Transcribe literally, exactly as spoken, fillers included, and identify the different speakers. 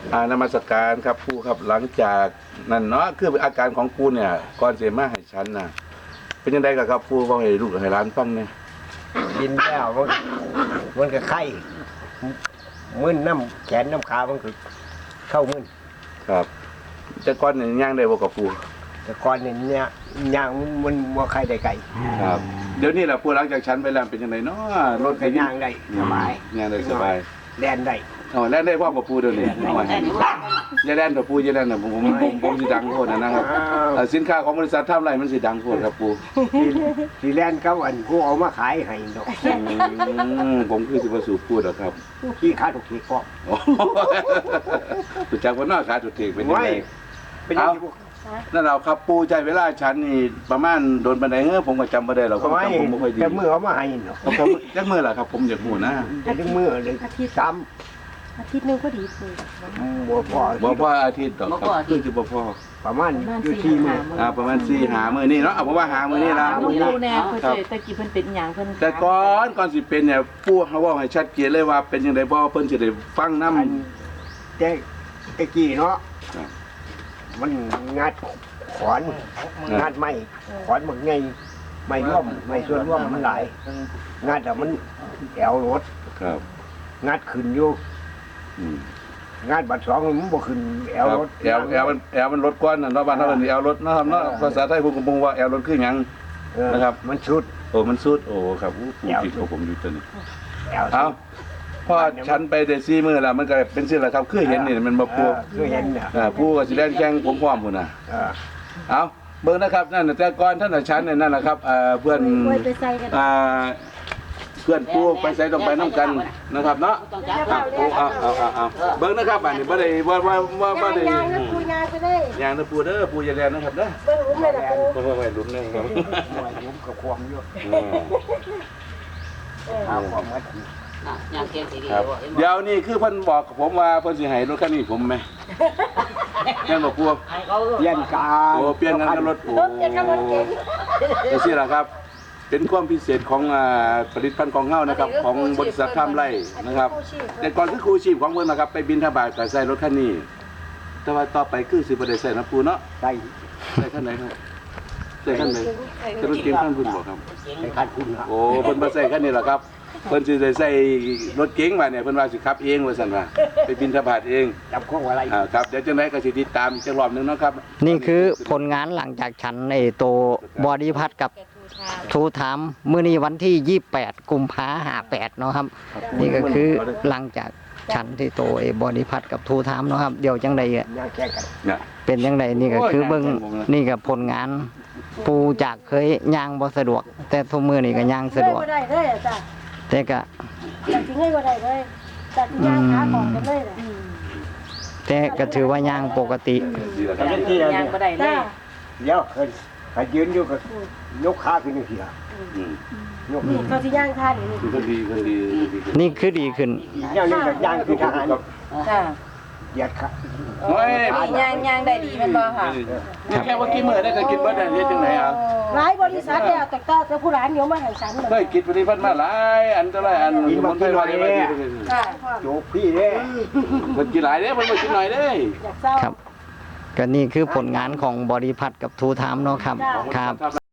Speaker 1: อานมัสการครับปูครับหลังจากนั่นเนาะคืออาการของปูเนี่ยก่อนเสียมาให้ฉันน่ะเป็นยังไงกับครับปูว่าให้ลูกให้ร้านฟังเนี่ย
Speaker 2: กินแล้วมันมันก็ไข้มึนน้ำแขนน้ำขามันคือเข้ามึน
Speaker 1: ครับแต่ก่อนเนี่ยย่างได้บ่กับปู
Speaker 2: แต่ก่อนเนี่ยเนี่ยย่างมันว่าไข้ได้ไก่
Speaker 1: ครับเดี๋ยวนี้แหละปูหลังจากฉันไปแล้วเป็นยังไงเนาะรถ
Speaker 2: ก็ย่างได้สบาย
Speaker 1: ย่างได้สบาย
Speaker 2: แดนได้
Speaker 1: อ๋อแล่นได้พ่อกับปูเดี๋ยวนี้อย่าแล่นกับปูอย่าแล่นนะผมผมผมผมสิดังโคตรนะครับเอ่อสินค้าของบริษัททำไรมันสิดังโคตรครับปู
Speaker 2: ทีแลนเขาอันกูเอามาขายให้ดอก
Speaker 1: อืมผมคือสิบสูบพูดหรอกครับ
Speaker 2: ขี้ขาถูกขี้กอก
Speaker 1: ถูกจักว่าน่าขาจุดเทกเป็นยัง
Speaker 2: ไม่
Speaker 1: ไง
Speaker 2: เป็นยังไง
Speaker 1: นั่นเราครับปูใจเวลาฉันนี่ประมาณโดนบันไดเฮ้อผมก็จำไม่ได้หรอกผม
Speaker 2: ไม่
Speaker 1: จำผมไม่ค่อยดี
Speaker 2: แต่มือเอามาให้เนาะ
Speaker 1: เขาเขาจักมือล่ะครับผมอยากหูนะ
Speaker 2: แต่ถึงมือเลยสาม
Speaker 3: อาทิตย์หนึงก็ดีเลย
Speaker 2: บัวพอ
Speaker 1: บ่พ่ออาทิตย์ดอกครับคือจะบ่พ่อ
Speaker 2: ประมาณอยู่ที่มือ
Speaker 1: อ่าประมาณสี่หามือนี่เนาะเอาผมว่าหามือนี่ละ
Speaker 3: ลูกปูแน่เพิ่นสิตะกี้เพิ่นเป็นหยังเพิ่น
Speaker 1: แต่ก่อนก่อนสิเป็นเนี่ยปูเขาว่าให้ชัดเจนเลยว่าเป็นยังไงบ่เพิ่นสิได้ฟังนำ
Speaker 2: อันแต่ตะกี้เนาะ
Speaker 1: ครับ
Speaker 2: มันงัดขอนงัดไม้ขอนมันไงไม่ร่วมไม่ส่วนร่วมมันหลายงัดแต่มันแอวรถ
Speaker 1: ครับ
Speaker 2: งัดขึ้นอยู่
Speaker 1: อืม
Speaker 2: งัดบัดสองมันบ่ขึ้นแอวรถ
Speaker 1: แอลแอลมันแอลมันรถก้อนน่ะเนาะบ้านเฮาเป็นแอลรถเนาะครับเนาะภาษาไทยผมก็บ่ว่าแอลรถคือหยัง
Speaker 2: เออ
Speaker 1: นะครับ
Speaker 2: มันชุด
Speaker 1: โอ้มันสุดโอ้ครับอู้ปูผิดของผมอยู่ตัวนี้
Speaker 2: แอว
Speaker 1: เอาพอฉันไปได้สี่มื้อแล้วมันก็เป็นสิล่ะครับคือเห็นนี่มันบ่ปู
Speaker 2: เออคือเห็นเนี่ย
Speaker 1: อ่าปูก็สิแล่นแข่งผมพร้อมพุ่นน่ะ
Speaker 2: เออ
Speaker 1: เอาเบิ่งนะครับนั่นน่ะแต่ก่อนท่านน่ะฉันเนี่ยนั่นแหละครับเอ่อเพื่อน
Speaker 3: ไว้ไปใส่กัน
Speaker 1: อ่าเพื่อนปูไปใส่ต้องไปนํกันนะครับเนาะครับปูเอาเอาเอาเอาเบิ่งนะครับบัดนี้บ่ได้บ่บ่บ่บ่ได้
Speaker 3: ยางนะปูยางไปเลย
Speaker 1: อย่างนะปูเด้อปูอย่าแล่นนะครับเด้อ
Speaker 3: เบิ่งหลุมเลยล่ะปู
Speaker 1: บ่บ่ไว้ลุ้นนะครับ
Speaker 2: หน่วยผมกับความอยู่
Speaker 1: อืม
Speaker 2: เอาความมัด
Speaker 1: ครับเดี๋ยวนี้คือเพิ่นบอกกับผมว่าเพิ่นสิให้รถคันนี้ผมไหมแม่นบ่ปู
Speaker 2: เปลี่ยนกา
Speaker 1: โอ้เปลี่ยนกันกับรถโอ้
Speaker 3: รถจะขับรถเก๋ง
Speaker 1: จังซี่ล่ะครับ เป็นความพิเศษของอ่าผลิตภัณฑ์ของเฮานะครับ ของบริษัททำไรนะครับ แต่ก่อนคือครูชีพของเพิ่นนะครับ ไปบินทบาทก็ใส่รถคันนี้ แต่ว่าต่อไปคือสิบ่ได้ใส่นะปูเนาะ
Speaker 2: ใส่
Speaker 1: ใส่คันไหนครับใส่คันไหนใส่รถเก๋งคันคุณบ่ครับ
Speaker 2: ใส่คันคุณครับ
Speaker 1: โอ้เพิ่นมาใส่คันนี้ล่ะครับเพิ่นสิได้ใส่รถเก๋งมาเนี่ยเพิ่นว่าสิขับเองว่าซั่นว่าไปบินทบาทเอง
Speaker 2: จับข้องอะไร
Speaker 1: อ่าครับเดี๋ยวจังไดก็สิติดตามจักรอบหนึงเนาะครับ
Speaker 4: นี่คือผลงานหลังจากฉันไอ้โตบอดี้พัดกับทูถามมื้อนี้วันที่ยี่สิบแปดกุมภาห้าแปดเนาะครับ นี่ก็คือหลังจากฉันที่โตไอ้บอดี้พัดกับทูถามเนาะครับเดี๋ยวจังใดอะ
Speaker 2: ย่างแข่งกัน
Speaker 1: เนี่ย
Speaker 4: เป็นจังใดนี่ก็คือเบิ่งนี่ก็ผลงานปูจากเคยย่างบ่สะดวก แต่ทุกมื้อนี่ก็ย่างสะดวก
Speaker 3: ไม่ได้เลยอ่ะจ้ะ
Speaker 4: แต่ก็
Speaker 3: จากที่ให้ก็ได้เลยจากที่ย่างขาของกันเลยแหละ
Speaker 4: แต่ก็ถือว่าย่างปกติ
Speaker 1: ดีแล้วครับ
Speaker 3: ย่างก็ได้เลย
Speaker 2: เดี๋ยวเคยเคยยืนอยู่กับยกขาขึ้นอยู่เสีย
Speaker 1: อืม
Speaker 2: ยก
Speaker 3: นี่เขาที่ย่างท่านี่
Speaker 1: คือคนดีคนดีดีขึ้น
Speaker 4: นี่คือดีขึ้น
Speaker 2: ย่างนี่กับย่างคือทหาร
Speaker 3: จ้ะ
Speaker 2: เหยียดขา
Speaker 1: โอ้ย
Speaker 3: ย่างย่างได้ดีมันบ่ค่ะ
Speaker 1: นี่แค่ว่ากินมื้อได้ก็กินเบิดได้เฮ็ดจังไดอ่ะ
Speaker 3: หลายบริษัทเนี่ยแต่ก็จะผู้ร้านเดี๋ยวมาให้ฉัน
Speaker 1: เคยกินผลิตภัณฑ์มาหลายอันเท่าไหร่อันมันไปหน่อยเด้
Speaker 3: ค่ะ
Speaker 2: โจกพี่เด้
Speaker 1: มันกินหลายเด้มันบ่กินหน่อยเด้
Speaker 3: อยากเศร้า
Speaker 4: ครับ ก็นี่คือผลงานของบอดี้พัดกับทูถามเนาะครับ
Speaker 3: จ้า
Speaker 4: ครับ